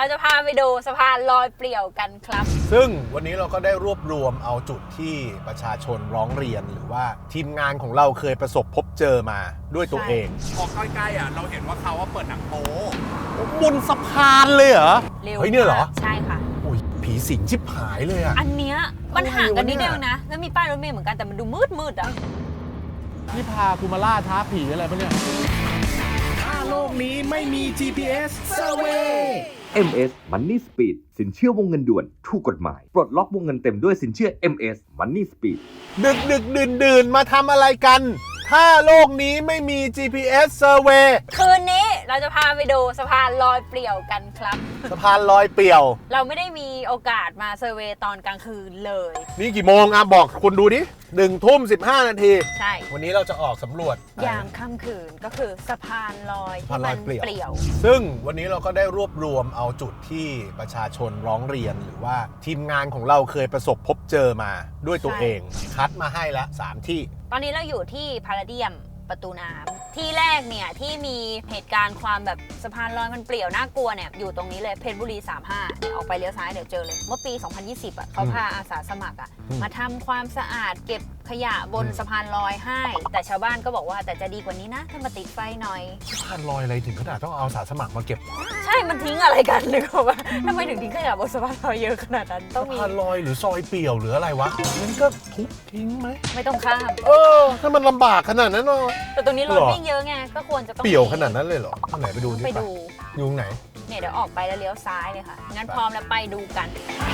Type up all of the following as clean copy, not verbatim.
จะพาไปดูสะพานลอยเปลี่ยวกันครับซึ่งวันนี้เราก็ได้รวบรวมเอาจุดที่ประชาชนร้องเรียนหรือว่าทีมงานของเราเคยประสบพบเจอมาด้วยตัวเองพอใกล้ๆเราเห็นว่าเขาเปิดหนังโป๊บนสะพานเลยเหรอเฮ้ยเนี่ยเหรอใช่ค่ะอุ้ยผีสิงชิบหายเลยอ่ะอันเนี้ยมันห่างกันนิดเดียวนะแล้วมีป้ายรถเมล์เหมือนกันแต่มันดูมืดอ่ะนี่พากูมาล่าท้าผีอะไรปะเนี่ยถ้าโลกนี้ไม่มี GPS Survey MS Money Speed สินเชื่อวงเงินด่วนถูกกฎหมายปลดล็อกวงเงินเต็มด้วยสินเชื่อ MS Money Speed ดึกดื่นมาทำอะไรกันถ้าโลกนี้ไม่มี GPS Survey คืนนี้เราจะพาไปดูสะพานลอยเปลี่ยวกันครับสะพานลอยเปลี่ยวเราไม่ได้มีโอกาสมาเซอร์เวย์ตอนกลางคืนเลยนี่กี่โมงอ่ะบอกคุณดูดิ1:15 นาทีใช่วันนี้เราจะออกสำรวจยามค่ำคืนก็คือสะพานลอยที่มันเปลี่ยวซึ่งวันนี้เราก็ได้รวบรวมเอาจุดที่ประชาชนร้องเรียนหรือว่าทีมงานของเราเคยประสบพบเจอมาด้วยตัวเองคัดมาให้ละ3ที่ตอนนี้เราอยู่ที่พาราเดียมประตูน้ำที่แรกเนี่ยที่มีเหตุการณ์ความแบบสะพานลอยมันเปลี่ยวน่ากลัวเนี่ยอยู่ตรงนี้เลยเพชรบุรี35ออกไปเลี้ยวซ้ายเดี๋ยวเจอเลยเมื่อปี2020เขาพาอาสาสมัครมาทำความสะอาดเก็บขยะบนสะพานลอยให้แต่ชาวบ้านก็บอกว่าแต่จะดีกว่านี้นะถ้ามาติดไฟหน่อยสะพานลอยอะไรถึงขนาดต้องเอาอาสาสมัครมาเก็บใช่มันทิ้งอะไรกันเลยว่าทำไมถึงทิ้งขยะบนสะพานลอยเยอะขนาดนั้นต้องมีสะพานลอยหรือซอยเปี่ยวหรืออะไรวะงั้นก็ทุบทิ้งไหมไม่ต้องข้ามถ้ามันลำบากขนาดนั้นเนาะแต่ตรงนี้รถวิ่งเยอะไงก็ควรจะต้องเปี่ยวขนาดนั้นเลยเหรอไหนไปดูไปดูยุงไหนเนี่ยเดี๋ยวออกไปแล้วเลี้ยวซ้ายเลยค่ะงั้นพร้อมแล้วไปดูกัน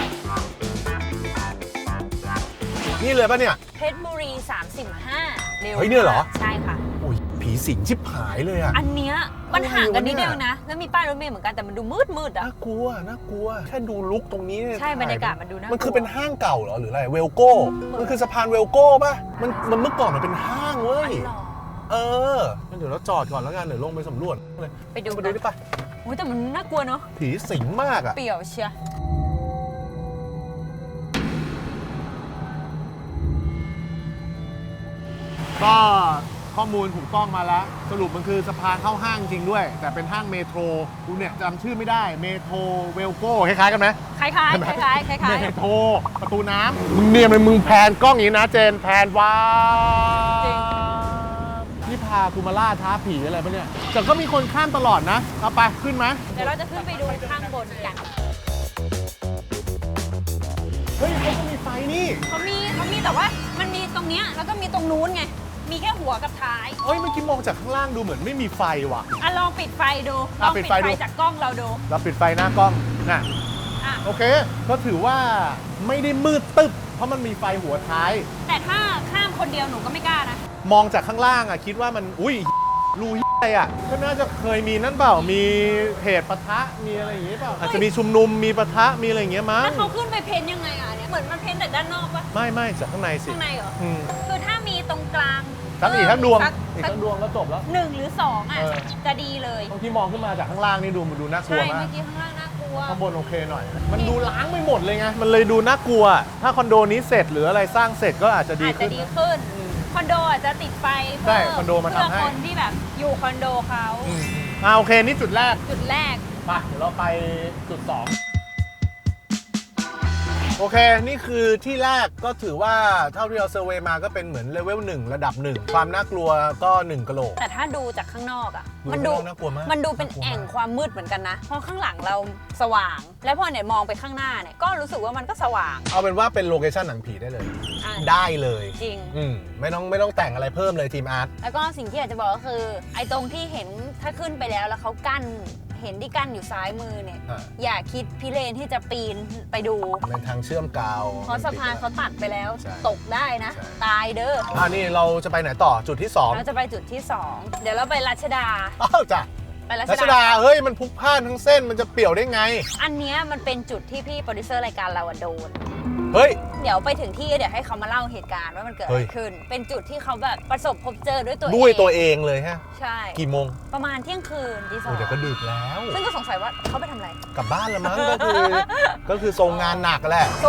นี่เลยป่ะเนี่ยเพชรบุรี35เร็วเฮ้ยเนี่ยเหรอใช่ค่ะอุ้ยผีสิงชิบหายเลยอ่ะอันเนี้ยมันห่างกันนิดเดียวนะแล้วมีป้ายรถเมล์เหมือนกันแต่มันดูมืดอ่ะน่ากลัวแค่ดูลุกตรงนี้ใช่บรรยากาศมันดูน่ากลัวมันคือเป็นห้างเก่าเหรอหรืออะไรเวลโก้มันคือสะพานเวลโก้ป่ะมันเมื่อก่อนมันเป็นห้างเว้ยงั้นเดี๋ยวเราจอดก่อนแล้วกันเดี๋ยวลงไปสำรวจเลยไปดูได้ปะโอ้ยแต่มันน่ากลัวเนาะผีสิงมากอ่ะเปี่ยวเชียก็ข้อมูลถูกต้องมาแล้วสรุปมันคือสะพานเข้าห้างจริงด้วยแต่เป็นห้างเมโทรกูเนี่ยจำชื่อไม่ได้เมโทรเวลโก้คล้ายๆกันไหมคล้ายเมโทรประตูน้ำมึงเนี่ยมึงแพนกล้องอย่างนี้นะเจนแพนว้านี่พากูมาล่าท้าผีอะไรปะเนี่ยแต่ก็มีคนข้ามตลอดนะเอาไปขึ้นไหมเดี๋ยวเราจะขึ้นไปดูข้างบนกันเฮ้ยเขาก็มีไฟนี่เขามีแต่ว่ามันมีตรงเนี้ยแล้วก็มีตรงนู้นไงมีแค่หัวกับท้ายเฮ้ยเมื่อกี้มองจากข้างล่างดูเหมือนไม่มีไฟว่ะลองปิดไฟดูลองปิดไฟจากกล้องเราดูเราปิดไฟหน้ากล้องน่ะโอเคก็ถือว่าไม่ได้มืดตึ๊บเพราะมันมีไฟหัวท้ายแต่ถ้าข้ามคนเดียวหนูก็ไม่กล้านะมองจากข้างล่างคิดว่ามันอุ้ยรูอะไรก็น่าจะเคยมีนั่นเปล่ามีเหตุปะทะมีอะไรอย่างงี้เปล่าอาจจะมีชุมนุมมีปะทะมีอะไรอย่างเงี้ยมั้งแล้วเขาขึ้นไปเพ้นยังไงเนี่ยเหมือนมันเพ้นแต่ด้านนอกปะไม่จากข้างในสิข้างในเหรอคือถ้ามีตรงกลางอีกทั้งดวงก็จบแล้ว 1 หรือ 2จะดีเลยบางทีมองขึ้นมาจากข้างล่างนี่ดูน่ากลัวมากใช่เมื่อกี้ข้างล่างน่ากลัวข้างบนโอเคหน่อยมันดูล้างไม่หมดเลยไงมันเลยดูน่ากลัวถ้าคอนโดนี้เสร็จหรืออะไรสร้างเสร็จก็อาจจะดีขึ้นคอนโดอาจจะติดไฟใช่คอนโดมาทำให้คนที่แบบอยู่คอนโดเขาโอเคนี่จุดแรกไปเดี๋ยวเราไปจุด2 โอเคนี่คือที่แรกก็ถือว่าเท่าที่เราเซอร์เวย์มาก็เป็นเหมือนเลเวล1ระดับ1ความน่ากลัวก็1กะโหลกแต่ถ้าดูจากข้างนอกมันดูน่ากลัวมากมันดูเป็นแอ่งความมืดเหมือนกันนะเพราะข้างหลังเราสว่างแล้วพอเนี่ยมองไปข้างหน้าเนี่ยก็รู้สึกว่ามันก็สว่างเอาเป็นว่าเป็นโลเคชั่นหนังผีได้เลยได้เลยจริงไม่ต้องแต่งอะไรเพิ่มเลยทีมอาร์ตแล้วก็สิ่งที่อยากจะบอกก็คือไอ้ตรงที่เห็นถ้าขึ้นไปแล้วเขากั้นเห็นที่กั้นอยู่ซ้ายมือเนี่ยอย่าคิดพิเรนที่จะปีนไปดูเป็นทางเชื่อมกาวเพราะสะพานเขาตัดไปแล้วตกได้นะตายเด้อนี่เราจะไปไหนต่อจุดที่2 เราจะไปจุดที่2เดี๋ยวเราไปรัชดาจ้ะไปรัชดาเฮ้ยมันพลุกพล่านทั้งเส้นมันจะเปี่ยวได้ไงอันนี้มันเป็นจุดที่พี่โปรดิวเซอร์รายการเราโดนเฮ้ยเดี๋ยวไปถึงที่เดี๋ยวให้เขามาเล่าเหตุการณ์ว่ามันเกิดอะไรขึ้นเป็นจุดที่เขาแบบประสบพบเจอด้วยตัวเองเลยฮะใช่กี่โมงประมาณเที่ยงคืนตี 2 เดี๋ยวก็ดึกแล้วซึ่งก็สงสัยว่าเขาไปทำอะไรกลับบ้านแล้วมั้งก็คือทรงงานหนักแหละ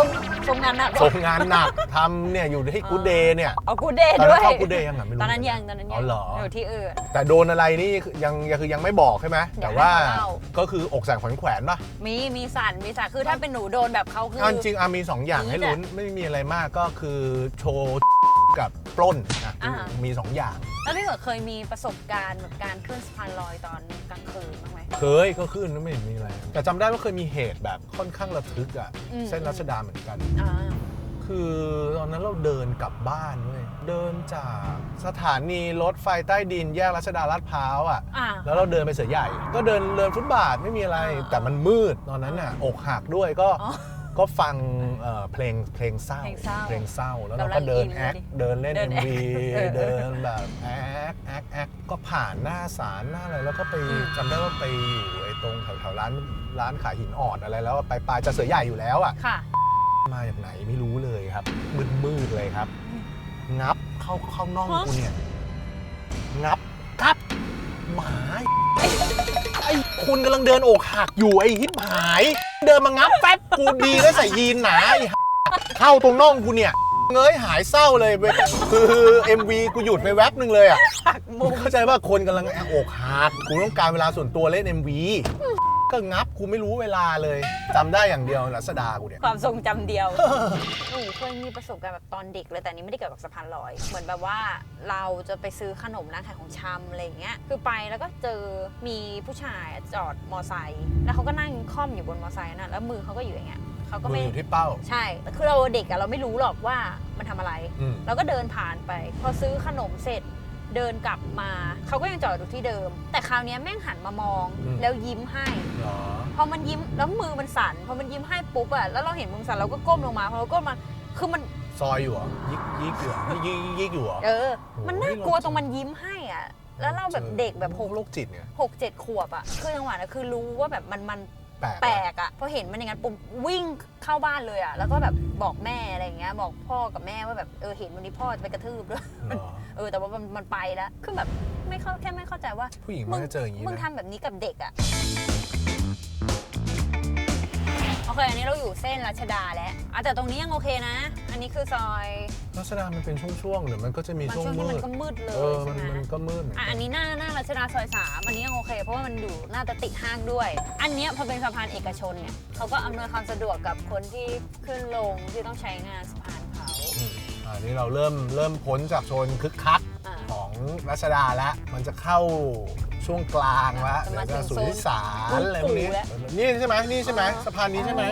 ทรงงานหนักส่งงานหนักทำเนี่ยอยู่ที่กูเดย์เนี่ยเอากูเดย์ตอนด้นั้วน ยเข้ากูเดย์ยังอ่ะไม่รู้ตอนนั้นยังอ๋อเหรออยู่ที่อื่นแต่โดนอะไรนี่ยังไม่บอกใช่ไหมเดี๋แต่ยวว่าให้เขาเล่าก็คืออกสั่นขวัญแขวนป่ะมีสั่นคือถ้าเป็นหนูโดนแบบเขาคือเอาจริงๆมี 2 อย่างให้ลุ้นไม่มีอะไรมากก็คือโชว์กับปล้นนะอ่ามี 2 อย่างแล้วพี่เกิดเคยมีประสบการณ์แบบการขึ้นสะพานลอยตอนกลางคืนบ้างไหมเคยก็ขึ้นแล้วไม่เห็นมีอะไร แต่จำได้ว่าเคยมีเหตุแบบค่อนข้างระทึกอ่ะอืมเส้นรัชดาเหมือนกันอ่าคือตอนนั้นเราเดินกลับบ้านเว้ยเดินจากสถานีรถไฟใต้ดินแยกรัชดาลาดพร้าวอ่ะอ่าแล้วเราเดินไปเสือใหญ่ ก็เดินฟุตบาทไม่มีอะไรอ่าแต่มันมืดตอนนั้นน่ะอกหักด้วยก็อ๋อก็ฟังเพลงเศร้าเพลงเศร้าแล้วเราก็เดินกำลังอินแอคเลยดิเดินเล่นเดิน MV แอคเดินแบบแอคก็ผ่านหน้าศาลหน้าอะไรแล้วก็ไปจำได้ว่าไปอยู่ไอ้ตรงแถวร้านขายหินอ่อนอะไรแล้วไปปลายจะเสือใหญ่อยู่แล้วอ่ะค่ะมาจากไหนไม่รู้เลยครับมืดเลยครับ งับเข้าน่องกูเนี่ยงับครับหมาไอ้คุณกำลังเดินอกหักอยู่ไอ้ฮิปหาย เดินมางับแป๊บกูดีแล้วใส่ยีนหนาไอ้เข้าตรงน่องกูเนี่ยเงยหายเศร้าเลยเว้ยคือ MV กูหยุดไปแว็บนึงเลยอ่ะหักมุมเข้าใจว่าคนกำลังอกหักกูต้องการเวลาส่วนตัวเล่น MV ก็งับกูไม่รู้เวลาเลยจำได้อย่างเดียวรัศดากูเนี่ยความทรงจำเดียว หนูเคยมีประสบการณ์แบบตอนเด็กเลยแต่อันนี้ไม่ได้เกี่ยวกับสะพานลอย เหมือนแบบว่าเราจะไปซื้อขนมร้านขายของชำอะไรอย่างเงี้ย คือไปแล้วก็เจอมีผู้ชายจอดมอไซค์แล้วเขาก็นั่งค่อมอยู่บนมอไซค์น่ะแล้วมือเขาก็อยู่อย่างเงี้ยเขาก็มือไม่อยู่ที่เป้าใช่แต่คือเราเด็กอะเราไม่รู้หรอกว่ามันทำอะไรอืมเราก็เดินผ่านไป พอซื้อขนมเสร็จเดินกลับมาเขาก็ยังจอดอยู่ที่เดิม แต่คราวนี้แม่งหันมามองแล้วยิ้มให้เหรอพอมันยิ้มแล้วมือมันสั่นพอมันยิ้มให้ปุ๊บอะแล้วเราเห็นมือสั่นเราก็ก้มลงมาพอเราก้มมาคือมันซอยอยู่เหรอยิกอยู่เหรอยิกอยู่เหรอมันน่ากลัวตรงมันยิ้มให้อะแล้วเราแบบเด็กแบบโรคจิตเนี่ย 6-7 ขวบอะคือจังหวะนั้นคือรู้ว่าแบบมันแปลกแปลกอะพอเห็นมันอย่างนั้นปุ๊บวิ่งเข้าบ้านเลยอะแล้วก็แบบบอกแม่อะไรอย่างเงี้ยบอกพ่อกับแม่ว่าแบบเห็นวันนี้พ่อจะไปกระทืบด้วยเหรอแต่ว่ามันไปแล้วคือแบบแค่ไม่เข้าใจว่าผู้หญิงมันจะเจออย่างนี้มึงนะทำแบบนี้กับเด็กอะโอเคอันนี้เราอยู่เส้นรัชดาแล้วแต่ตรงนี้ยังโอเคนะ อันนี้คือซอยรัชดามันเป็นช่วงๆหรือมันก็จะมีบางช่วงช่วงที่มืมันดก็มืดเลเอย อใช่ไหมมันก็มืดเหมือนกัอันนี้หน้ารัชดาซอย 3 อันนี้ยังโอเค เพราะว่ามันอยู่หน้าจะติดห้างด้วย อันเนี้ยพอเป็นสะพานเอกชนเนี่ยเขาก็อำนวยความสะดวกกับคนที่ขึ้นลงที่ต้องใช้งานสะพานเขาอันนี้เราเริ่มพ้นจากโซนคึกคักอ่าของรัชดาแล้ว มันจะเข้าช่วงกลางแล้วจะมาเดี๋ยวจะถึงสุทธิสารโซนอะไรพวกนี้แล้วนี่ใช่ไหมนี่ใช่ไหมสะพานนี้ใช่ไหม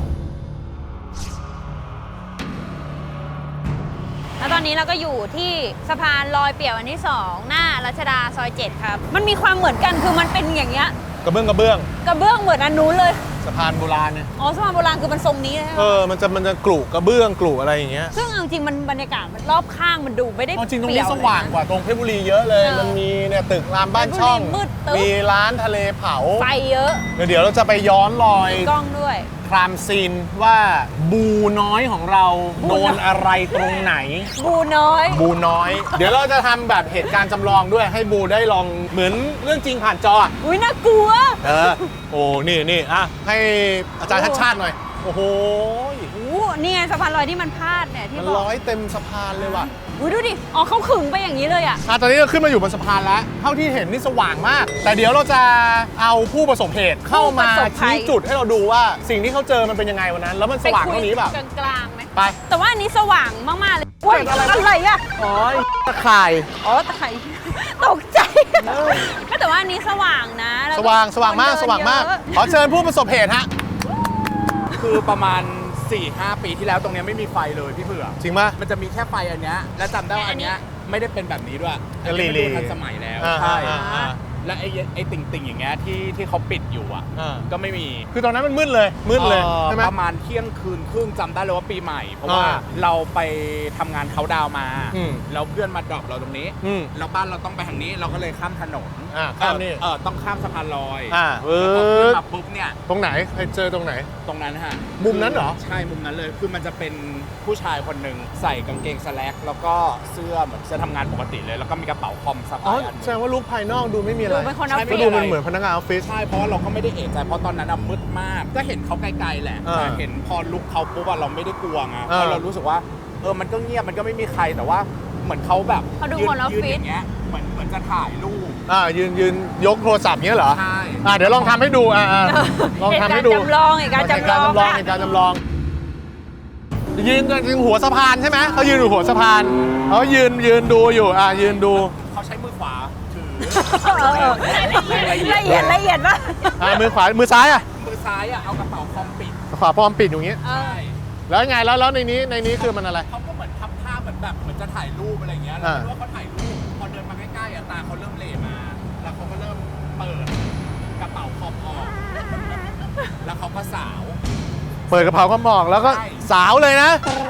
แล้วตอนนี้เราก็อยู่ที่สะพานลอยเปี่ยวอันที่ 2 หน้ารัชดาซอย 7 ครับ มันมีความเหมือนกันคือมันเป็นอย่างเงี้ยกระเบื้องกระเบื้องเหมือนอันนู้นเลยสะพานโบราณเนี่ยอ๋อสะพานโบราณคือมันทรงนี้เลยใช่ไหมมันจะกรุกระเบื้องกรุอะไรอย่างเงี้ยซึ่งเอาจริงมันบรรยากาศมันรอบข้างมันดูไม่ได้จริงตรงเปนี้ยวสว่างเลยนะกว่าตรงเพชรบุรีเยอะเลย มันมีเนี่ยตึกรามบ้านช่องเพชรบุรีมืดตึ๊บมีร้านทะเลเผาไฟเยอะเดี๋ยวเราจะไปย้อนรอยกล้องด้วยครามซีนว่าบูน้อยของเราบูโดน้อยนอะไรตรงไหนบูน้อยบูน้อย เดี๋ยวเราจะทำแบบเหตุการณ์จำลองด้วยให้บูได้ลองเหมือนเรื่องจริงผ่านจออะอุ้ยน่ากลัวโอ้นี่อ่ะให้อาจารย์ชัดชาติหน่อย โอ้โหนี่ไงสะพานลอยที่มันพาดเนี่ยที่มันบอกร้อยเต็มสะพานเลยว่ะอุ้ยดูดิ อ๋อเขาขึงไปอย่างนี้เลยอ่ะตอนนี้เราขึ้นมาอยู่บนสะพานแล้ว เท่าที่เห็นนี่สว่างมาก แต่เดี๋ยวเราจะเอาผู้ประสบเหตุเข้ามาผู้ประสบภัยชี้จุดให้เราดูว่าสิ่งที่เขาเจอมันเป็นยังไงวันนั้น แล้วมันสว่างเท่านี้แบบไปคุยกลางๆไหมไปแต่ว่าอันนี้สว่างมากๆเลยเว้ยเกิดอะไรอะไรอ่ะอ๋อตะข่ายอ๋อตายตกใจก็แต่ว่าอันนี้สว่างนะแล้วสว่างมากคนเดินสว่างมากเยอะขอเชิญผู้ประสบเหตุฮะคือประมาณ 4-5 ปีที่แล้วตรงเนี้ยไม่มีไฟเลยพี่เผือกจริงป่ะมันจะมีแค่ไฟอันเนี้ยและจำได้ว่าอันเนี้ยไม่ได้เป็นแบบนี้ด้วยจะอันนี้มันลีดูๆทันสมัยแล้วอ่าใช่อ่าและไอ้ติ่งๆอย่างเงี้ยที่เขาปิดอยู่อ่ะอ่าก็ไม่มีคือตอนนั้นมันมืดเลยใช่ไหมประมาณเที่ยงคืนครึ่งจำได้เลยว่าปีใหม่ เพราะว่าอ่าเราไปทำงานเขาดาวน์มาอืมแล้วเพื่อนมาดรอปเราตรงนี้อืมแล้วบ้านเราต้องไปทางนี้เราก็เลยข้ามถนนข้ามนี่ต้องข้ามสะพานลอยเอแล้วพอขึ้อนมาปุ๊บเนี่ยตรงไหนใครเจอตรงไหนตรงนั้นฮะมุมนั้นเหรอใช่มุมนั้นเลยคือมันจะเป็นผู้ชายคนหนึ่งใส่กางเกงสแล็กแล้วก็เสื้อเหมือนเสื้อทำงานปกติเลย แล้วก็มีกระเป๋าคอมสะอ๋อพายอันหแสนึ่ดงงว่าลุคภายนอกดูไม่มีอะไรดูเป็นคนออฟก็ฟิศดูมันเหมือนพนักงานออฟฟิศใช่เพราะว่าเราก็ไม่ได้เอะใจเพราะตอนนั้นมืดมาก ก็เห็นเขาไกลๆแหละเออแต่เห็นพอลุกเขาปุ๊บเราไม่ได้กลัวไงเออเพราะเรารู้สึกว่ามันก็เงียบมันก็ไม่มีใครแต่ว่าเหมือนเขาแบบเขาดูยืคนออฟยืนฟิอศย่างเงี้ยเหมือนจะถ่ายรูปยืนยกโทรศัพท์เงี้ยเหรอใช่เดี๋ยวลองทำให้ดูลองทำให้ดูเหตุการณ์จำลองเหตุการณ์จำลองยืนหัวสะพานใช่ไหมเขายืนอยู่หัวสะพานเขายืนดูอยู่ยืนดูเขาใช้มือขวาถือละเอียดป่ะมือขวามือซ้ายอ่ะมือซ้ายเอากระเป๋าคอมปิดขวาพร้อมปิดอย่างงี้ใช่แล้วไงแล้วในนี้คือมันอะไรเขาก็เหมือนทำท่าเหมือนจะถ่ายรูปอะไรเงี้ยเราคิดว่าเขาถ่ายรูปพอเดินมาใกล้ๆตาเขาเริ่มเหล่มา แล้วเขาก็เริ่มเปิดกระเป๋าคอมออกแล้วเขาก็สาวเปิดกระเพราก็มองแล้วก็ใช่สาวเลยนะ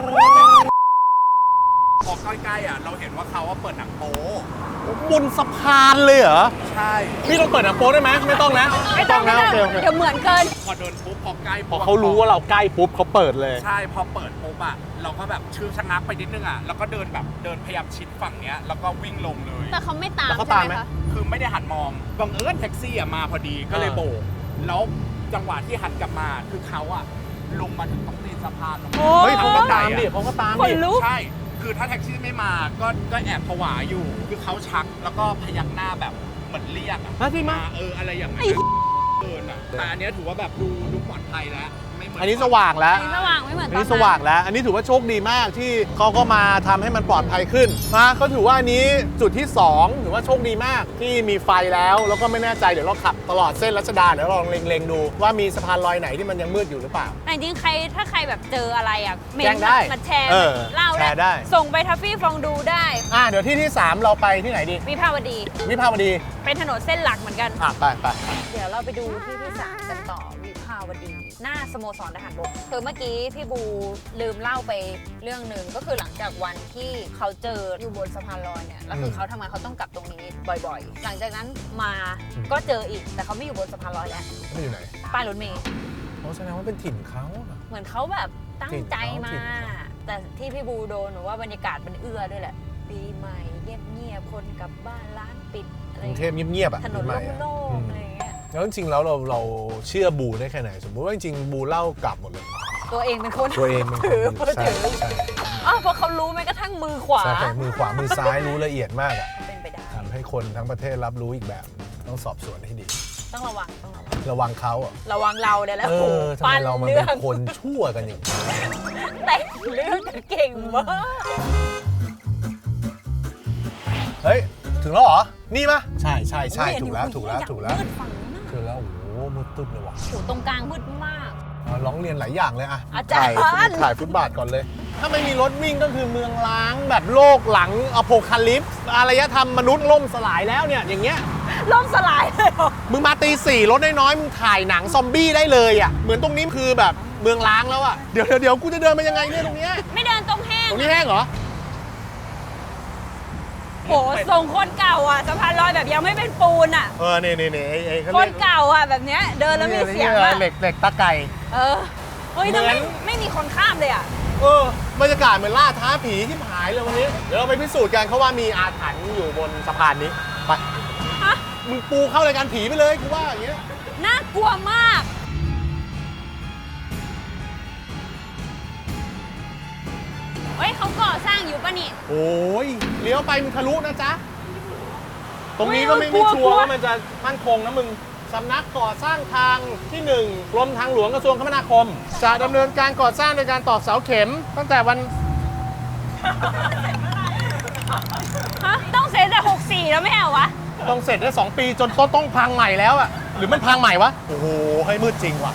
พอใกล้ๆเราเห็นว่าเขาเปิดหนังโป๊บนสะพานเลยเหรอใช่พี่ต้องเปิดหนังโป๊ได้ไหมไม่ต้องนะไม่ต้องนะโอเคเดี๋ยวเหมือนเกินพอเดินปุ๊บพอใกล้พอเขารู้ว่าเราใกล้ปุ๊บเขาเปิดเลยใช่พอเปิดปุ๊บเราก็แบบชื่อชะงักไปนิดนึงแล้วก็เดินพยายามชิดฝั่งเนี้ยแล้วก็วิ่งลงเลยแต่เขาไม่ตามแล้วเขาใช่ตามไหไหมมคะคือไม่ได้หันมองบังเอิญแท็กซี่มาพอดีก็เลยโบกแล้วจังหวะที่หันกลับมาคือเขาลงมาถึงตรงตีนสะพานลงมาเฮ้ยเขาก็ตามดิเขาก็ตามคนดิลุกใช่ คือถ้าแท็กซี่ไม่มาก็แอบผวาอยู่ คือเขาชักแล้วก็พยักหน้าแบบเหมือนเรียกมาสิมาอะไรอย่างนั้นเกินแต่อันเนี้ยถือว่าแบบดูปลอดภัยแล้วไม่เหมือนอันนี้สว่างแล้วอันนี้สว่างไม่เหมือนอัตนอนนี้สว่างแล้ว อันนี้ถือว่าโชคดีมากที่เขาก็มาทำให้มันปลอดภัยขึ้นนะก็ถือว่าอันนี้จุดที่2ถือว่าโชคดีมากที่มีไฟแล้วก็ไม่แน่ใจเดี๋ยวเราขับตลอดเส้นรัชดาเดี๋ยวเราลองเล็งๆดูว่ามีสะพานลอยไหนที่มันยังมืดอยู่หรือเปล่าแต่จริงๆถ้าใครแบบเจออะไรเมแจ้งได้มาแชร์เออเล่าแชร์ได้ส่งไปทัฟฟี่ฟองดูได้เดี๋ยวที่3เราไปที่ไหนดีวิภาวดีวิภาวดีเป็นถนนเส้นหลักเหมือนกันไปเดี๋ยวเราไปดูที่ที่ 3 กันต่อวิภาวดี หน้าสโมสรทหารบกคือเมื่อกี้พี่บูลืมเล่าไปเรื่องหนึ่งก็คือหลังจากวันที่เขาเจออยู่บนสะพานลอยเนี่ยแล้วคือเขาทำไมเขาต้องกลับตรงนี้บ่อยๆ หลังจากนั้นมาก็เจออีกแต่เขาไม่อยู่บนสะพานลอยแล้วไม่อยู่ไหนป้ายรถเมล์เขาแสดงว่าเป็นถิ่นเขาอะเหมือนเขาแบบตั้งใจมาถิ่นเขาแต่ที่พี่บูโดนหนูว่าบรรยากาศมันเอื้อด้วยแหละปีใหม่เงียบๆคนกลับบ้านร้านปิดอะไรกรุงเทพเงียบๆอะถนนปีใหม่อะโล่งๆอะไรอย่างเงี้ยแล้วจริงๆแล้วเราเชื่อบูได้แค่ไหน สมมติว่าจริงๆบูเล่ากลับหมดเลยตัวเองเป็นคนตัวเองเป็นคนถือใช่ถือใช่อ๋อเพราะเขารู้แม้กระทั่งมือขวาใช่มือขวามือซ้ายรู้ละเอียดมากอะเป็นไปได้ทำให้คนทั้งประเทศรับรู้อีกแบบ ต้องสอบสวนให้ดีต้องระวังต้องระวังระวังเขาอ่ะระวังเราเนี่ยแหละทำไมปั้นเรามันเรื่เป็องนคนชั่วกันอย่างนี้แต่งเรื่องกันเก่งมากเฮ้ย ถึงแล้วเหรอ นี่ปะใช่โอ้ยถูกแล้วอันนี้ถูกแล้วอยาถูกแล้วมืดฝั่งนู้นน่ะถึงแล้วโอ้โหมืดตึ๊บเลยว่ะโอ้โหตรงกลางมืดมากร้องเรียนหลายอย่างเลยอะอาจารย์ถ่ายฟุตบาทก่อนเลย ถ้าไม่มีรถวิ่งก็คือเมืองล้างแบบโลกหลังอโพคาลิปส์อารยธรรมมนุษย์ล่มสลายแล้วเนี่ยอย่างเงี้ยล่มสลายเลยเหรอมึงมาตีสี่รถน้อยๆมึงถ่ายหนังซอมบี้ได้เลยอ่ะเหมือนตรงนี้คือแบบเมืองล้างแล้วอ่ะเดี๋ยวกูจะเดินมายังไงเนี่ยตรงเนี้ยไม่เดินตรงแห้งตรงนี้แห้งเหรอโหทรงคนเก่าอ่ะสะพานลอยแบบยังไม่เป็นปูนอ่ะนี่ไอ้เขาคเรีนยกเก่าอ่ะแบบเนี้ยเดินแล้วมีเสียงนี่อ่ะเหล็กตะไก่เออเฮ้ยเหมืทำอนไมไม่มีคนข้ามเลยอ่ะบรรยากาศเหมือนล่าท้าผีที่หายเลยวันนี้เดี๋ยวเราไปพิสูจน์กันเขาว่ามีอาถรรพ์อยู่บนสะพานนี้ไปฮะมึงปูเข้ารายการผีไปเลยกูว่าอย่างเงี้ยน่ากลัวมาก เฮ้ยเขาก่อสร้างอยู่ปะนี่โอ้ยเลี้ยวไปมึงทะลุนะจ๊ะตรงนี้โอ้ยก็ไม่กลัวชัวกลัร์วว่ามันจะมั่นคงนะมึงสำนักก่อสร้างทางที่ 1 กรมทางหลวงกระทรวงคมนาคม จะดำเนินการก่อสร้างโดยการตอกเสาเข็ม ตั้งแต่วันฮะต้องเซ็นแต่64 แล้วไม่เอาวะต้องเสร็จได้ 2 ปีจนต้นต้องพังใหม่แล้วอะหรือมันพังใหม่วะ โอ้โหให้มืดจริงว่ะ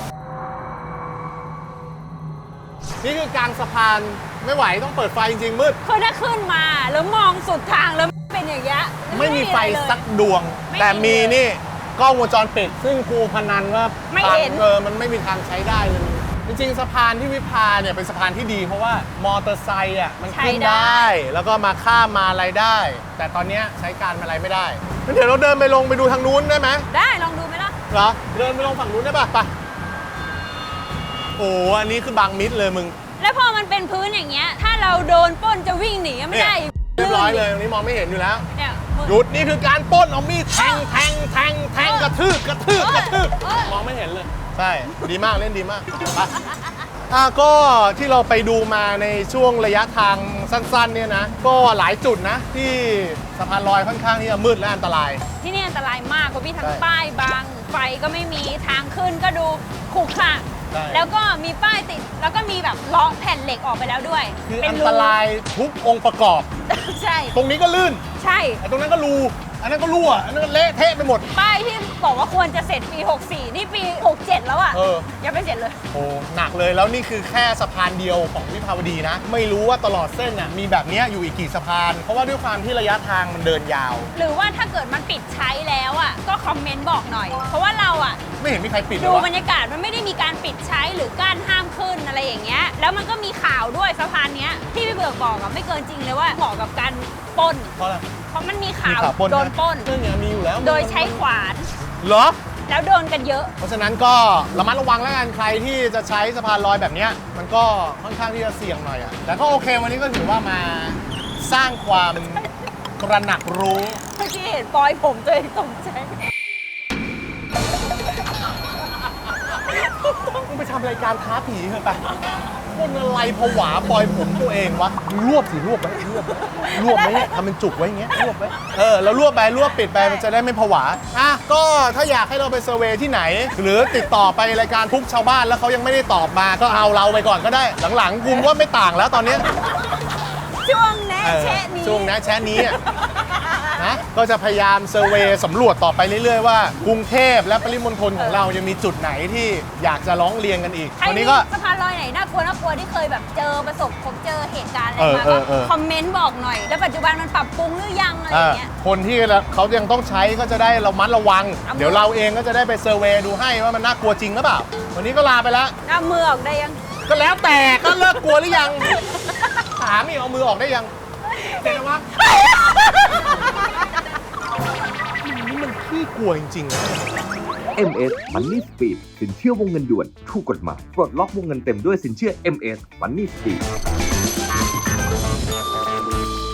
นี่คือกลางสะพานไม่ไหวต้องเปิดไฟจริงๆมืดคือถ้าขึ้นมาแล้วมองสุดทางแล้วเป็นอย่างเงี้ยไม่มีไฟอะไรเลยสักดวงไม่มีแต่มีนี่กล้องวงจรปิด ซึ่งครูพนันว่าไม่เห็นมันไม่มีทางใช้ได้เลย จริงๆสะพานที่วิภาเนี่ยเป็นสะพานที่ดีเพราะว่ามอเตอร์ไซค์อ่ะมันขึ้นได้ แล้วก็มาข้ามมาอะไรได้ แต่ตอนเนี้ยใช้การอะไรไม่ได้งั้นเดี๋ยวเราเดินไปลงไปดูทางนู้นได้ไหมได้ลองดูไหมล่ะเหรอเดินไปลงฝั่งนู้นได้ป่ะไปโอ้อันนี้คือบางมิดเลยมึงแล้วพอมันเป็นพื้นอย่างเงี้ย ถ้าเราโดนปล้นจะวิ่งหนีก็ไม่ได้เรียบร้อยเลยตรงนี้มองไม่เห็นอยู่แล้วเนี่ยมืดหยุดนี่คือการปล้นเอามีดแทงกระทืบมองไม่เห็นเลยใช่ดีมากเล่นดีมากไปก็ที่เราไปดูมาในช่วงระยะทางสั้นๆเนี่ยนะก็หลายจุดนะที่สะพานลอยค่อนข้างที่จะมืดและอันตรายที่นี่อันตรายมากเพราะมีทั้งใช่ป้ายบังไฟก็ไม่มีทางขึ้นก็ดูขรุขระใช่แล้วก็มีป้ายติดแล้วก็มีแบบล้อแผ่นเหล็กออกไปแล้วด้วยคือเป็อันรูตรายทุกองค์ประกอบใช่ตรงนี้ก็ลื่นใช่ไอ้ตรงนั้นก็รูอันนั้นก็รั่วอันนั้นก็เละเทะไปหมดป้ายที่บอกว่าควรจะเสร็จปี 64 นี่ปี 67 แล้วอะเออยังไม่เสร็จเลยโอ้หนักเลยแล้วนี่คือแค่สะพานเดียวของวิภาวดีนะ ไม่รู้ว่าตลอดเส้นน่ะมีแบบเนี้ยอยู่อีกกี่สะพาน เพราะว่าด้วยความที่ระยะทางมันเดินยาวหรือว่าถ้าเกิดมันปิดใช้แล้วอะก็คอมเมนต์บอกหน่อย เพราะว่าเราอะไม่เห็นมีใครปิดเลดูยวะบรรยากาศมันไม่ได้มีการปิดใช้หรือกั้นห้ามขึ้นอะไรอย่างเงี้ยแล้วมันก็มีข่าวด้วยสะพานเนี้ยที่พี่เบิกบอกอะไม่เกินจริงเลยว่าเหมาะกับการปล้นเพราะอะไรเพราะมันมีข่าวมีข่าวปล้นโดนปล้นเรื่องเนี้ยมีอยู่แล้วโดยใช้ขวานเหรอแล้วโดนกันเยอะเพราะฉะนั้นก็ระมัดระวังแล้วกันใครที่จะใช้สะพานลอยแบบเนี้ยมันก็ค่อนข้างที่จะเสี่ยงหน่อยอะแต่ก็โอเควันนี้ก็ถือว่ามาสร้างความตระหนักรู้เมื่อกี้เห็นปอยผมตัวเองตกใจมึงไปทำรายการท้าผีเถอะไปคนอะไรผวาปล่อยผมตัวเองวะมึงรวบสิรวบไว้รวบไว้เนี่ยทำเป็นจุกไว้อย่างเงี้ยรวบไว้แล้วรวบไปรวบปิดไปมันจะได้ไม่ผวาก็ถ้าอยากให้เราไปเซอร์เวย์ที่ไหน หรือติดต่อไปรายการทุกชาวบ้านแล้วเขายังไม่ได้ตอบมาก็เอาเราไปก่อนก็ได้ หลังๆกูว่าไม่ต่างแล้วตอนเนี้ยช่วงแนะแชะนี้ช่วงนะแชะนี้อะนะก็จะพยายามเซอร์เวย์สำรวจต่อไปเรื่อยๆว่ากรุงเทพและปริมณฑลของเรายังมีจุดไหนที่อยากจะร้องเรียนกันอีกใครวันมีนี้ก็สะพานลอยไหนน่ากลัวที่เคยแบบเจอประสบพบเจอเหตุการณ์อะไรมาเอก็อคอมเมนต์บอกหน่อย แล้วปัจจุบันมันปรับปรุงหรือยังอะไรอย่างเงี้ยคนที่เขายังต้องใช้ก็จะได้ระมัดระวังเอามือเดี๋ยวเราเองก็จะได้ไปเซอร์เวย์ดูให้ว่ามันน่ากลัวจริงหรือเปล่า วันนี้ก็ลาไปแล้วเอามือออกได้ยังก็แล้วแต่ก็เลิกกลัวหรือยัง ถามอีกเอามือออกได้ยังเห็นไหมวะนี่มันขี้กลัวจริงๆ MS Money Speed สินเชื่อวงเงินด่วนถูกกฎหมายปลดล็อกวงเงินเต็มด้วยสินเชื่อ MS Money Speed